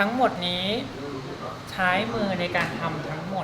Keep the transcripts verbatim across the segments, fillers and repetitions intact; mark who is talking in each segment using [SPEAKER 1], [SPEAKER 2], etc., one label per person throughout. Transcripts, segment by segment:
[SPEAKER 1] ทั้งหมดนี้ใช้มือในการทำทั้งหมด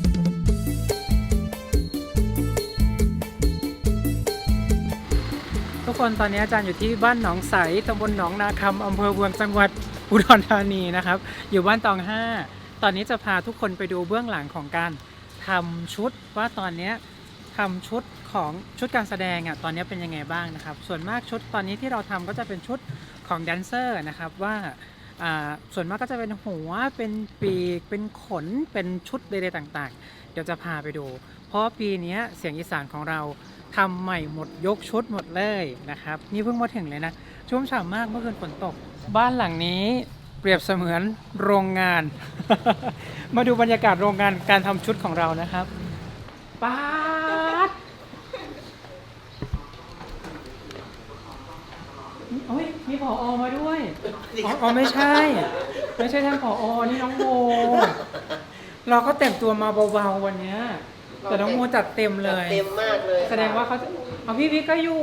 [SPEAKER 1] ทุกคนตอนนี้อาจารย์อยู่ที่บ้านหนองใสตำบลหนองนาคำอำเภอเมืองจังหวัดอุดรธานีนะครับอยู่บ้านตองห้าตอนนี้จะพาทุกคนไปดูเบื้องหลังของการทำชุดว่าตอนนี้ทำชุดของชุดการแสดงอ่ะตอนนี้เป็นยังไงบ้างนะครับส่วนมากชุดตอนนี้ที่เราทำก็จะเป็นชุดของแดนเซอร์นะครับว่าส่วนมากก็จะเป็นหัวเป็นปีกเป็นขนเป็นชุดใดๆต่างๆเดี๋ยวจะพาไปดูเพราะปีนี้เสียงอีสานของเราทำใหม่หมดยกชุดหมดเลยนะครับนี่เพิ่งมาถึงเลยนะชุ่มฉ่ำมากเมื่อคืนฝนตกบ้านหลังนี้เปรียบเสมือนโรงงาน มาดูบรรยากาศโรงงานการทำชุดของเรานะครับป๊าดโอ้ยมีผอ.มาด้วยอ๋ออ๋อไม่ใช่ไม่ใช่ท่านผอ.นี่น้องโมเราก็แต่งตัวมาเบาๆวันนี้แต่น้องโมจัดเต็มเลย
[SPEAKER 2] เต็มมากเลย
[SPEAKER 1] แสดงว่าเขาเอาพี่วิก็อยู่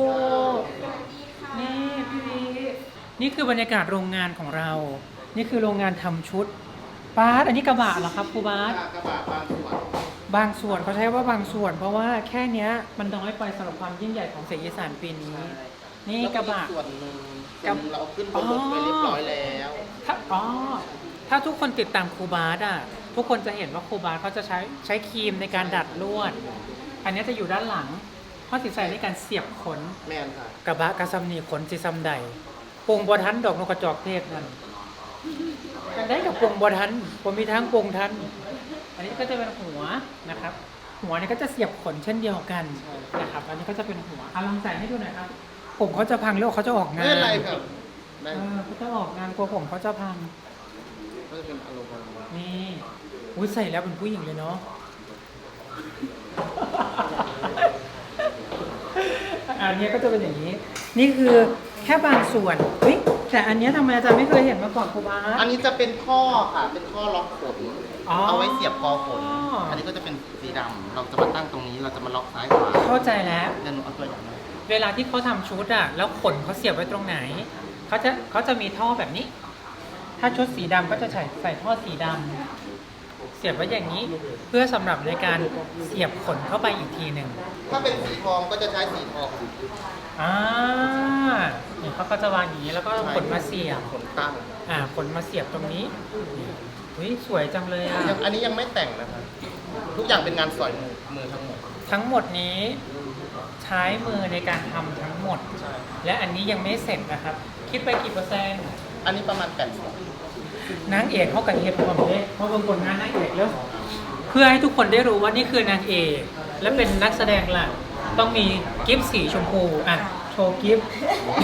[SPEAKER 1] นี่พี่วินี่คือบรรยากาศโรงงานของเรานี่คือโรงงานทำชุดบาสอันนี้กระบะเหรอครับครูบาส
[SPEAKER 2] กระบะบางส่วน
[SPEAKER 1] บางส่วนเขาใช้ว่าบางส่วนเพราะว่าแค่นี้มันน้อยไปสำหรับความยิ่งใหญ่ของเสียงอีสานปีนี้นี่กระบะ
[SPEAKER 2] ส่วนหนึ่งเราขึ้นบนรถไปเรียบร้อยแล้ว
[SPEAKER 1] ถ้าอ๋อถ้าทุกคนติดตามครูบาสอ่ะทุกคนจะเห็นว่าครูบาสเขาจะใช้ใช้ครีมในการดัดลวดอันนี้จะอยู่ด้านหลังเพราะสิใส่ในการเสียบขน
[SPEAKER 2] แม่นค่ะ
[SPEAKER 1] กระบะกระซำนีขนสิซำใดปงบัวทันดอกนกกระจอกเทศนั่นกันได้กับปงบัวทันผมมีทั้งปงทันอันนี้ก็จะเป็นหัวนะครับหัวนี้ก็จะเสียบขนเช่นเดียวกันนะครับอันนี้ก็จะเป็นหัวเอาลองใส่ให้ดูหน่อยครับผมเขาจะพังหรือเขาจะออกงาน
[SPEAKER 2] ไม่เป็นไรครับ
[SPEAKER 1] เออเขาจะออกงานกลัวผมเขาจะพัง
[SPEAKER 2] ก็จะเป็นอารมณ์
[SPEAKER 1] นี่อุ้ยใส่แล้วเป็นผู้หญิงเลยเนาะอันนี้ก็จะเป็นอย่างนี้นี่คือแค่บางส่วนเฮ้ยแต่อันนี้ทำไมอาจารย์ไม่เคยเห็นมาก่อนครูบาส
[SPEAKER 2] อันนี้จะเป็นข้อค่ะเป็นข้อล็อกขนเอาไว้เสียบคอขนอันนี้ก็จะเป็นสีดำเราจะมาตั้งตรงนี้เราจะมาล็อกซ้ายขวา
[SPEAKER 1] เข้าใจแล้ว
[SPEAKER 2] เดี๋ยวหนูเอาตัวอย่างมา
[SPEAKER 1] เวลาที่เขาทำชุดอะแล้วขนเขาเสียบไว้ตรงไหนเขาจะเขาจะมีท่อแบบนี้ถ้าชุดสีดำก็จะใส่ใส่ท่อสีดำเสียบไว้อย่างนี้เพื่อสำหรับในการเสียบขนเข้าไปอีกทีหนึ่ง
[SPEAKER 2] ถ้าเป็นสีทองก็จะใช้สีทอง
[SPEAKER 1] อ่านี่เขาก็จะวางอย่างนี้แล้วก็ขนมาเสียบ
[SPEAKER 2] ขนตั้ง
[SPEAKER 1] อ่าขนมาเสียบตรงนี้อุ้ยสวยจังเลยอ่ะ
[SPEAKER 2] อันนี้ยังไม่แต่งนะครับทุกอย่างเป็นงานสอยมือมือทั้งหมด
[SPEAKER 1] ทั้งหมดนี้ใช้มือในการทำทั้งหมดและอันนี้ยังไม่เสร็จนะครับคิดไปกี่เปอร์เซ็นต์
[SPEAKER 2] อันนี้ประมาณแปดสิบ
[SPEAKER 1] นางเอกเขากับเฮดผมเลยเพราะบางคนงานนางเอกแล้วเพื่อให้ทุกคนได้รู้ว่านี่คือนางเอกและเป็นนักแสดงหลักต้องมีกิฟต์สีชมพูอ่ะโชว์กิฟต์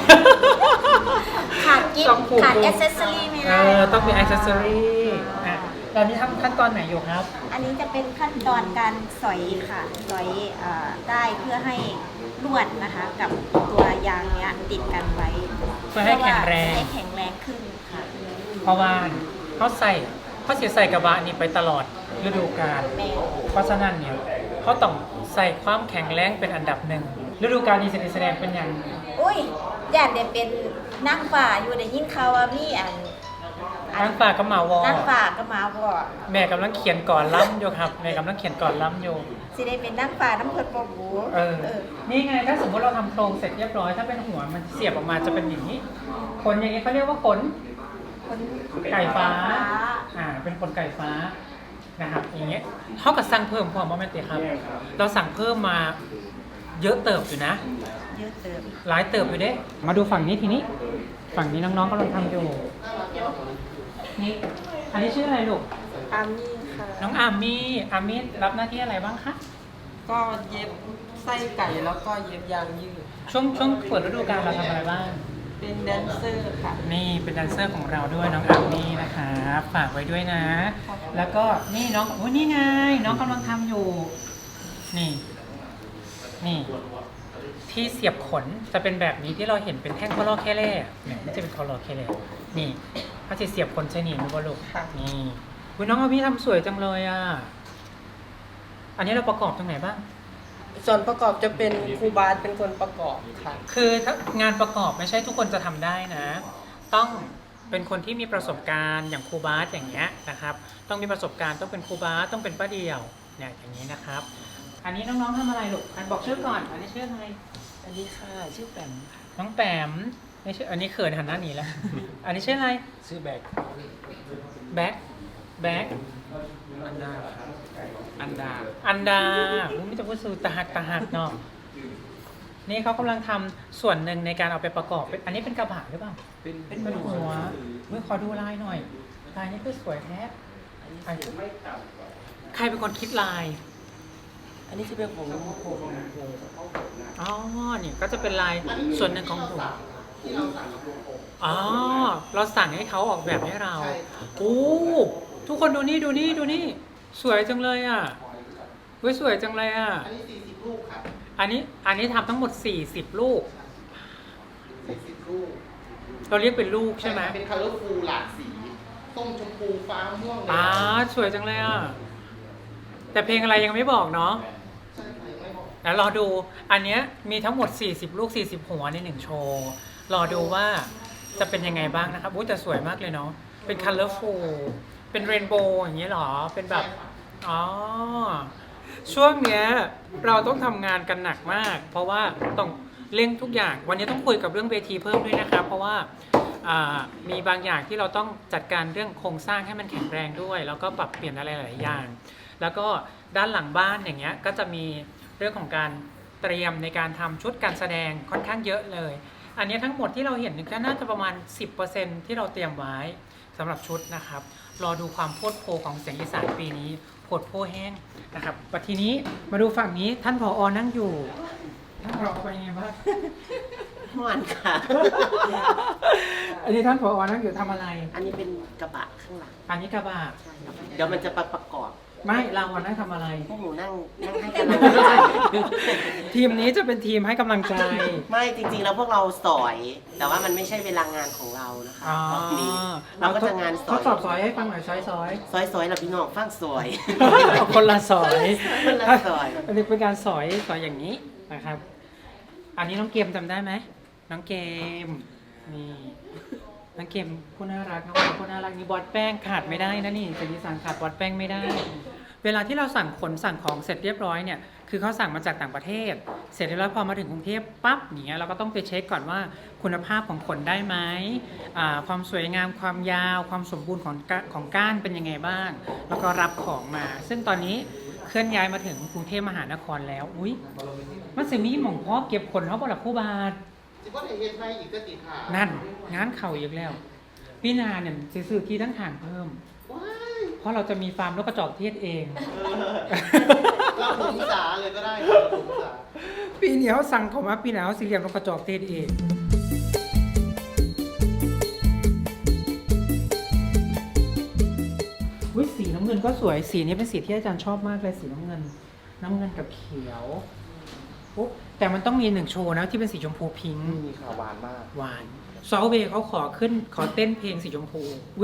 [SPEAKER 3] ขาดกิฟต์ขาดแอคเซสซอรี่ไม่ได้
[SPEAKER 1] เออต้องมีแอคเซสซอรี่อ่ะตอนนี้ทำขั้นตอนไหนอยู่ครับ
[SPEAKER 3] อันนี้จะเป็นขั้นตอนการสอยค่ะสอยได้เพื่อให้ลวดนะคะกับตัวยางเนี้ยติดกันไว้
[SPEAKER 1] เพื่อให้แข็งแรง
[SPEAKER 3] ให้แข็งแรงขึ้นค่ะ
[SPEAKER 1] เพราะว่าเขาใส่เขาเสียใส่กระบะนี้ไปตลอดฤดูกาลเพราะฉะนั้นเนี่ยเขาต้องใส่ความแข็งแรงเป็นอันดับหนึ่งฤดูกาลนี้แสดงเป็นอย่าง
[SPEAKER 3] อุ้ยย่านเดี๋ยวเป็นนั่งฝ่าอยู่ในยิ่งเขาว่ามีอัน
[SPEAKER 1] นั่งฝ่าก็มาวอ
[SPEAKER 3] นั่งฝ่าก็มาวอ
[SPEAKER 1] แม่กำลังเขียนก่อนล้ำอยู่ครับแม่กำลังเขียนก่อนล้ำอยู่
[SPEAKER 3] สิได้เป็นนั่งฝ่าน้ำเพิดปบู
[SPEAKER 1] เออนี่ไงถ้าสมมติเราทำโครงเสร็จเรียบร้อยถ้าเป็นหัวมันเสียบออกมาจะเป็นอย่างนี้ขนอย่างนี้เขาเรียกว่าขนไก่ฟ้าอ่าเป็นขนไก่ฟ้านะครับอย่างเงี้ยเท่ากับสั่งเพิ่มพอมั้ยแม่เตี๋ยครับเราสั่งเพิ่มมาเยอะเติบอยู่นะ
[SPEAKER 3] เยอะเติบ
[SPEAKER 1] หลายเติบอยู่เด้มาดูฝั่งนี้ทีนี้ฝั่งนี้น้องๆกำลังทำอยู่นี่อันนี้ชื่ออะไรลูก
[SPEAKER 4] อามี่ค่ะ
[SPEAKER 1] น้องอามี่อามี่รับหน้าที่อะไรบ้างคะ
[SPEAKER 4] ก็เย็บไส้ไก่แล้วก็เย็บยางยืด
[SPEAKER 1] ช่วงช่วงเปิดฤดูกาลเราทำอะไรบ้าง
[SPEAKER 4] เป็นแดนเซอร์ค่ะ
[SPEAKER 1] นี่เป็นแดนเซอร์ของเราด้วยน้องอามี่นะคะฝากไว้ด้วยนะแล้วก็นี่น้องโอ้ยนี่ไงน้องกำลังทำอยู่นี่นี่ที่เสียบขนจะเป็นแบบนี้ที่เราเห็นเป็นแท่งคอลอแค่เล่เนี่ยนี่จะเป็นคอลอแค่เล่นี่เขาจะเสียบขนใช่หนีมือบอลลูกนี่คุณน้องอามี่ทำสวยจังเลยอ่ะอันนี้เราประกอบตรงไหนบ้าง
[SPEAKER 4] ส่วนประกอบจะเป็นครูบาสเป็นคนประกอบค่ะ
[SPEAKER 1] คือถ้างานประกอบไม่ใช่ทุกคนจะทำได้นะต้องเป็นคนที่มีประสบการณ์อย่างครูบาสอย่างเงี้ยนะครับ ต้องมีประสบการณ์ต้องเป็นครูบาสต้องเป็นป้าเดี่ยวเนี่ยอย่างนี้นะครับ อันนี้น้องๆทำอะไรลูกอันบอกชื่อก่อน อันนี้ชื่ออะไร
[SPEAKER 4] สวัสดีค่ะชื่อแปมค่ะ
[SPEAKER 1] น้องแปมไม่ชื่ออันนี้เขินหันหน้าหนีแล้ว อันนี้ชื่ออะไร
[SPEAKER 4] ชื่อแบก
[SPEAKER 1] แบ็คแบ็ค
[SPEAKER 4] อันดาอันดา
[SPEAKER 1] อันดาอุ๊ยไม่จะพูดสูตาหักตาหักเนาะนี่เขากำลังทำส่วนหนึ่งในการเอาไปประกอบเป็นอันนี้เป็นกระบะหรือเปล่า
[SPEAKER 4] เป็น
[SPEAKER 1] เป็นหัวเมื่อขอดูลายหน่อย ลายนี้คือสวยแท้อันนี้ใครเป็นคนคิดลาย
[SPEAKER 4] อันนี้จะเป็นของผมผม
[SPEAKER 1] อ๋อ นี่ก็จะเป็นลายส่วนหนึ่งของหัว
[SPEAKER 2] ที่เราสั่งกับโรงอบ
[SPEAKER 1] อ๋อ เราสั่งให้เขาออกแบบให้เรา
[SPEAKER 2] ใช่
[SPEAKER 1] โอ้ทุกคนดูนี่ดูนี่ดูนี่ สวยจังเลยอ่ะเว้ยสวยจังเลยอ่ะ
[SPEAKER 2] อันนี้สี่สิบลูกครับ
[SPEAKER 1] อันนี้อันนี้ทำทั้งหมดสี่สิบลูก
[SPEAKER 2] สี่สิบลูก
[SPEAKER 1] เราเรียกเป็นลูกใช่ไหม
[SPEAKER 2] เป็น color full หลากสีส้มชมพูฟ้าม่วงเลย
[SPEAKER 1] อ่าสวยจังเลยอ่ะ แต่เพลงอะไรยังไม่บอกเนาะ
[SPEAKER 2] ใช่ค่ะยังไม่บอก
[SPEAKER 1] แล้วรอดู อันเนี้ยมีทั้งหมดสี่สิบลูกสี่สิบหัวในหนึ่งโชว์ รอดูว่าจะเป็นยังไงบ้างนะครับอุ้ยแต่สวยมากเลยเนาะ เป็น colorful เป็นเรนโบว์อย่างเงี้ยเหรอ เป็นแบบ อ๋อ ช่วงเนี้ยเราต้องทำงานกันหนักมาก เพราะว่าต้องเร่งทุกอย่าง วันนี้ต้องคุยกับเรื่องเวทีเพิ่มด้วยนะครับ เพราะว่าอ่ามีบางอย่างที่เราต้องจัดการเรื่องโครงสร้างให้มันแข็งแรงด้วย แล้วก็ปรับเปลี่ยนอะไรหลายอย่าง แล้วก็ด้านหลังบ้านอย่างเงี้ยก็จะมีเรื่องของการเตรียมในการทำชุดการแสดงค่อนข้างเยอะเลย อันนี้ทั้งหมดที่เราเห็นก็น่าจะประมาณ สิบเปอร์เซ็นต์ ที่เราเตรียมไว้สำหรับชุดนะครับ รอดูความโพดโพของเสียงอีสานปีนี้โพดโพแห้งนะครับปัทีนี้มาดูฝั่งนี้ท่านผอนั่งอยู่ท่านผอเป็นยังไงบ้าง
[SPEAKER 5] ม่วนค่ะ
[SPEAKER 1] อันนี้ท่านผอนั่งอยู่ทำอะไร
[SPEAKER 5] อันนี้เป็นกระบะข้างหลัง
[SPEAKER 1] อันนี้กระบะ
[SPEAKER 5] ใช่ครับเดี๋ยวมันจะประประกอบ
[SPEAKER 1] ไม่เราอะนั่งทำอะไร
[SPEAKER 5] พวกหนูนั่งนั่งให้กำลังใจ
[SPEAKER 1] ทีมนี้จะเป็นทีมให้กำลังใจ
[SPEAKER 5] ไม่จริงๆแล้วพวกเราสอย แต่ว่ามันไม่ใช่เวลางานของเรานะคะ
[SPEAKER 1] อ๋อ
[SPEAKER 5] รอบนี้เราก็จะงานส
[SPEAKER 1] ท
[SPEAKER 5] อ
[SPEAKER 1] ด
[SPEAKER 5] ย
[SPEAKER 1] สอบซอยให้ฟังหน่อยซอยซอย
[SPEAKER 5] ซอยซอยเราพี่น้องฟังสวย
[SPEAKER 1] คนละซอย
[SPEAKER 5] คนละซอย
[SPEAKER 1] อันนี้เป็นการสอยสอยอย่างนี้นะครับ อันนี้น้องเกมจำได้ไหมน้องเกมนี่น้องเกมผู้น่ารักน้องเกมผู้น่ารักนี่บอสแป้งขาดไม่ได้นะนี่จะมีสั่งขาดบอสแป้งไม่ได้ เวลาที่เราสั่งขนสั่งของเสร็จเรียบร้อยเนี่ยคือเขาสั่งมาจากต่างประเทศ เสร็จแล้วพอมาถึงกรุงเทพปั๊บอย่างเงี้ยเราก็ต้องไปเช็คก่อนว่าคุณภาพของขนได้ไหมอ่าความสวยงามความยาวความสมบูรณ์ของกะของก้านเป็นยังไงบ้าง แล้วก็รับของมา ซึ่งตอนนี้เคลื่อนย้ายมาถึงกรุงเทพมหานครแล้วอุ้ยมันสิมีหม่องพ่อเก็บขนเขาบ่ละผู้บาท
[SPEAKER 2] จิว่าในเฮ็ดในอีกก็ติดขา
[SPEAKER 1] นั่นงานเข่าอีกแล้วพี่นาเนี่ยสิซื้อที่ทั้งทางเพิ่ม
[SPEAKER 2] ว้าย
[SPEAKER 1] เพราะเราจะมีฟาร์มนกกระจอกเทศเอง
[SPEAKER 2] เราถุงสาเลยก็ได้ครับถุงสา
[SPEAKER 1] ปีนี้เขาสั่งเขามาปีหน้าเขาสิเลียมนกกระจอกเทศเองวิสีน้ำเงินก็สวยสีนี้เป็นสีที่อาจารย์ชอบมากเลยสีน้ำเงิน น้ำเงินกับเขียวปุ๊บแต่มันต้องมีหนึ่งโชว์นะที่เป็นสีชมพูพิงค์
[SPEAKER 2] มีข่าวหวานมาก
[SPEAKER 1] หวานซอลเวย์เขาขอขึ้นขอเต้นเพลงสีชมพูวิ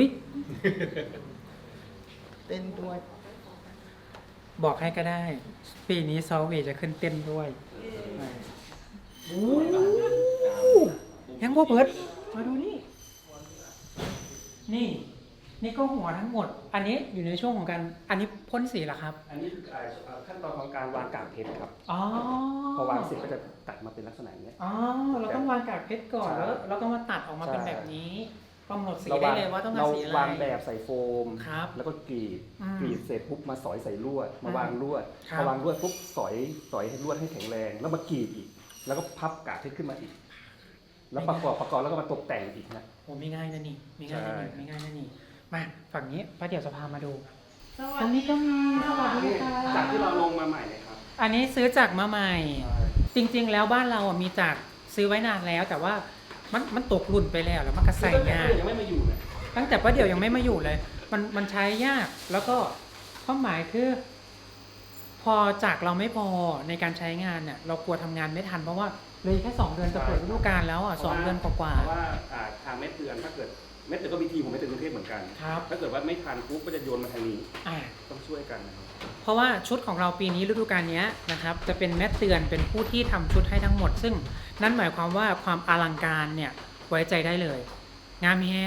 [SPEAKER 2] เต้นด้วย
[SPEAKER 1] บอกให้ก็ได้ ปีนี้ซอลเวย์จะขึ้นเต้นด้วยโอ้ยังบ่เปิดมาดูนี่ นี่ นี่ก็หัวทั้งหมด อันนี้อยู่ในช่วงของการ อันนี้พ่นสีเหรอครับ
[SPEAKER 6] อันนี้คือเอ่อขั้นตอนของการวางกากเพชรครับ
[SPEAKER 1] อ๋อ
[SPEAKER 6] พอวางเสร็จก็จะตัดมาเป็นลักษณะอย่างเนี้ย
[SPEAKER 1] อ๋อ เราต้องวางกากเพชรก่อน
[SPEAKER 6] ใช่
[SPEAKER 1] แล้วเราก็มาตัดออกมาเป็น
[SPEAKER 6] ใช่
[SPEAKER 1] แบบนี้กำหนดสี
[SPEAKER 6] เรา
[SPEAKER 1] ได้
[SPEAKER 6] วาง
[SPEAKER 1] เลยว่าต้องการ
[SPEAKER 6] เรา
[SPEAKER 1] สีอะไร
[SPEAKER 6] วางแบบใส่โฟม
[SPEAKER 1] ครับ
[SPEAKER 6] แล้วก็กรีด
[SPEAKER 1] อืม
[SPEAKER 6] กรีดเสร็จปุ๊บมาสอยใส่ลวด มา
[SPEAKER 1] อืม
[SPEAKER 6] วางลวด
[SPEAKER 1] ครับ
[SPEAKER 6] พอวางลวดปุ๊บสอยสอยให้ลวดให้แข็งแรง แล้วมากรีดอีก แล้วก็พับกากเพชรขึ้นมาอีก แล้วประกอบประกอบแล้วก็มาตกแต่งอีกนะ
[SPEAKER 1] โอ้ไม่ง่ายนะนี่ไม่ง่ายนะนี่
[SPEAKER 6] ใช่
[SPEAKER 1] ไม่ง่ายนะนี่ มาฝั่งนี้ป้าเดี๋ยวจะพามาดู ตรงนี้ก็มีสวัสดีค่ะ
[SPEAKER 6] จากที่เราลงมาใหม่เลยครับ
[SPEAKER 1] อันนี้ซื้อจากมาใหม่ จริงๆ แล้วบ้านเราอ่ะมีจากซื้อไว้นานแล้ว แต่ว่ามันมันตกรุ่นไปแล้วแล้วมันก็ใส่ยาก
[SPEAKER 6] ยังไม่มาอยู่เลย
[SPEAKER 1] ตั้งแต่ป้าเดี๋ยวยังไม่มาอยู่เลย มันมันใช้ยาก แล้วก็ความหมายคือ พอจากเราไม่พอในการใช้งานเนี่ยเรากลัวทำงานไม่ทันเพราะว่าเลยแค่สองเดือนจะเปิดฤดูกาลแล้วอ่ะสองเดือนกว่า
[SPEAKER 6] เพราะว่าอ่าทางเม็ดเตือนถ้าเกิดเม็ดเตือนก็มีทีมของเม็ดเตือนกรุงเทพเหมือนกัน
[SPEAKER 1] ๆครับ
[SPEAKER 6] ถ้าเกิดว่าไม่ทันปุ๊บก็จะโยนมาทางนี้
[SPEAKER 1] อ่า
[SPEAKER 6] ต้องช่วยกันนะครับ
[SPEAKER 1] เพราะว่าชุดของเราปีนี้ฤดูกาลนี้นะครับจะเป็นแม่เตือนเป็นผู้ที่ทำชุดให้ทั้งหมด ซึ่งนั่นหมายความว่าความอลังการเนี่ยไว้ใจได้เลย งามแห้ง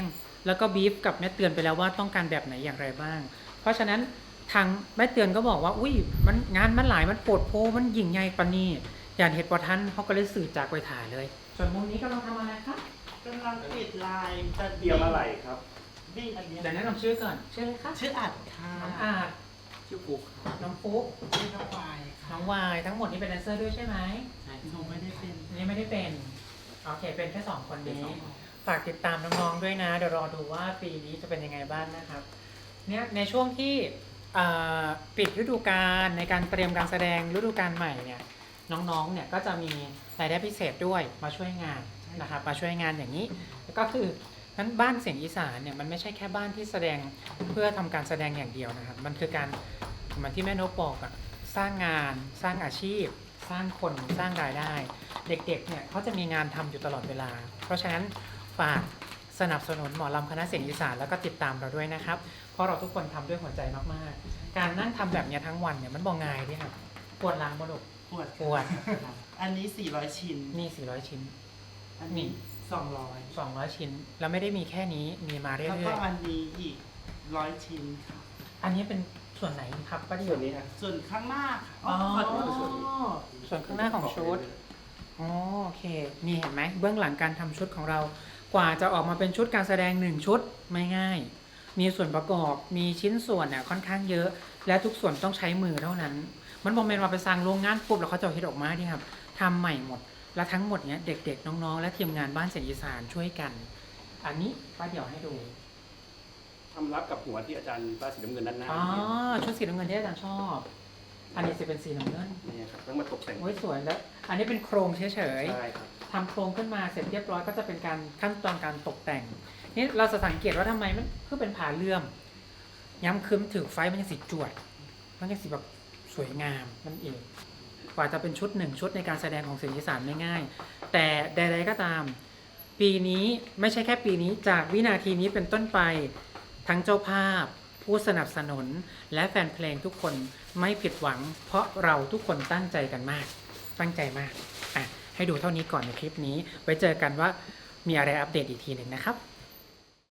[SPEAKER 1] แล้วก็บีฟกับแม่เตือนไปแล้วว่าต้องการแบบไหนอย่างไรบ้าง เพราะฉะนั้นทางแม่เตือนก็บอกว่าอุ้ยมันงานมันหลายมันโปรดโพมันยิ่งใหญ่ปานนี้อย่างเหตุปทันเขาก็เลยสื่อจากไปถ่ายเลย ส่วนมุมนี้กำลังทำอะไรครับ
[SPEAKER 7] กำลังปิดลายจะ
[SPEAKER 6] เตรียมอะไรครับ
[SPEAKER 7] วิ่งอันนี้
[SPEAKER 1] เดี๋ยวแนะนำชื่อก่อนชื่ออะไรคะ
[SPEAKER 7] ชื่ออัดค่ะ
[SPEAKER 1] น้องอาจ
[SPEAKER 7] ชื่อปุ๊ก
[SPEAKER 1] น้องฟุ๊ก
[SPEAKER 7] ชื่อน้องวายค่ะ
[SPEAKER 1] น้องวายทั้งหมดนี้เป็นแดนเซอร์ด้วยใช่ไหม
[SPEAKER 7] หนูไม่ได้เป็น
[SPEAKER 1] อันนี้ไม่ได้เป็นโอเคเป็นแค่สองคนนี้ฝากติดตามน้องๆด้วยนะเดี๋ยวรอดูว่าปีนี้จะเป็นยังไงบ้างนะครับเนี่ยในช่วงที่เอ่อปิดฤดูกาลในการเตรียมการแสดงฤดูกาลใหม่เนี่ยน้องๆเนี่ยก็จะมีรายได้พิเศษด้วยมาช่วยงานนะครับมาช่วยงานอย่างนี้ก็คือนั้นบ้านเสียงอีสานเนี่ยมันไม่ใช่แค่บ้านที่แสดงเพื่อทำการแสดงอย่างเดียวนะครับมันคือการเหมือนที่แม่นกบอกอะสร้างงานสร้างอาชีพ สร้างคนสร้างรายได้ เด็กๆเนี่ยเขาจะมีงานทำอยู่ตลอดเวลา เพราะฉะนั้นฝากสนับสนุนหมอลำคณะเสียงอีสานแล้วก็ติดตามเราด้วยนะครับ เพราะเราทุกคนทำด้วยหัวใจมากๆ การนั่งทำแบบเนี้ยทั้งวันเนี่ยมันบ่ง่ายด้วยครับปวดหลังบ่ลูก
[SPEAKER 7] ปวด
[SPEAKER 1] ปวด
[SPEAKER 7] อันนี้สี่ร้อยชิ้น
[SPEAKER 1] มีสี่ร้อยชิ้น
[SPEAKER 7] อันนี้สองร้อย
[SPEAKER 1] สองร้อยชิ้น แล้วไม่ได้มีแค่นี้มีมาเรื่
[SPEAKER 7] แล้วก็
[SPEAKER 1] อย
[SPEAKER 7] อันนี้อีกร้อยชิ้นค่ะ
[SPEAKER 1] ๆอันนี้เป็นส่วนไหนครับป้าเดีย
[SPEAKER 6] ส่
[SPEAKER 1] ว
[SPEAKER 6] วนนี้ฮะ
[SPEAKER 7] ส่วนข้างหน้าค่ะ
[SPEAKER 1] อ๋อ
[SPEAKER 7] ขอโทษ
[SPEAKER 1] ส่วนข้างหน้าของชุด อ๋อโอเค นี่เห็นไหมเบื้องหลังการทำชุดของเรา กว่าจะออกมาเป็นชุดการแสดงหนึ่งชุดไม่ง่าย มีส่วนประกอบ มีชิ้นส่วนเนี่ยค่อนข้างเยอะ และทุกส่วนต้องใช้มือเท่านั้น มันบอกเมนว่าไปสร้างโรงงานปุ๊บแล้วเขาจะเอาเฮ็ดออกมาที่ครับทำใหม่หมด และทั้งหมดเนี้ยเด็กๆน้องๆ และทีมงานบ้านเสียงอีสานช่วยกัน อันนี้ป้าเดี๋ยวให้ดู
[SPEAKER 6] ทำรับกับหัวที่อาจารย์ป้าสีน้ำเงินด้านหน้า
[SPEAKER 1] อ๋อชุดสีน้ำเงินที่อาจารย์ชอบ อันนี้จะเป็นสีน้ำเงิน
[SPEAKER 6] นี่ครับต้องมาตกแต่ง
[SPEAKER 1] โอ้ยสวยแล้ว อันนี้เป็นโครงเฉยๆ
[SPEAKER 6] ใช่ครับ
[SPEAKER 1] ทำโครงขึ้นมาเสร็จเรียบร้อยก็จะเป็นการขั้นตอนการตกแต่ง นี่เราจะสังเกตว่าทำไมมันคือเป็นผาเลื่อม ย้ำคืมถือไฟมันยังสีจวด มันยังสีแบบสวยงามนั่นเอง กว่าจะเป็นชุดหนึ่งชุดในการแสดงของเสียงอีสานไม่ง่าย แต่ใดๆก็ตาม ปีนี้ไม่ใช่แค่ปีนี้จากวินาทีนี้เป็นต้นไปทั้งเจ้าภาพ ผู้สนับสนุนและแฟนเพลงทุกคนไม่ผิดหวัง เพราะเราทุกคนตั้งใจกันมาก ตั้งใจมากอ่ะให้ดูเท่านี้ก่อนในคลิปนี้ ไว้เจอกันว่ามีอะไรอัปเดตอีกทีหนึ่งนะครับ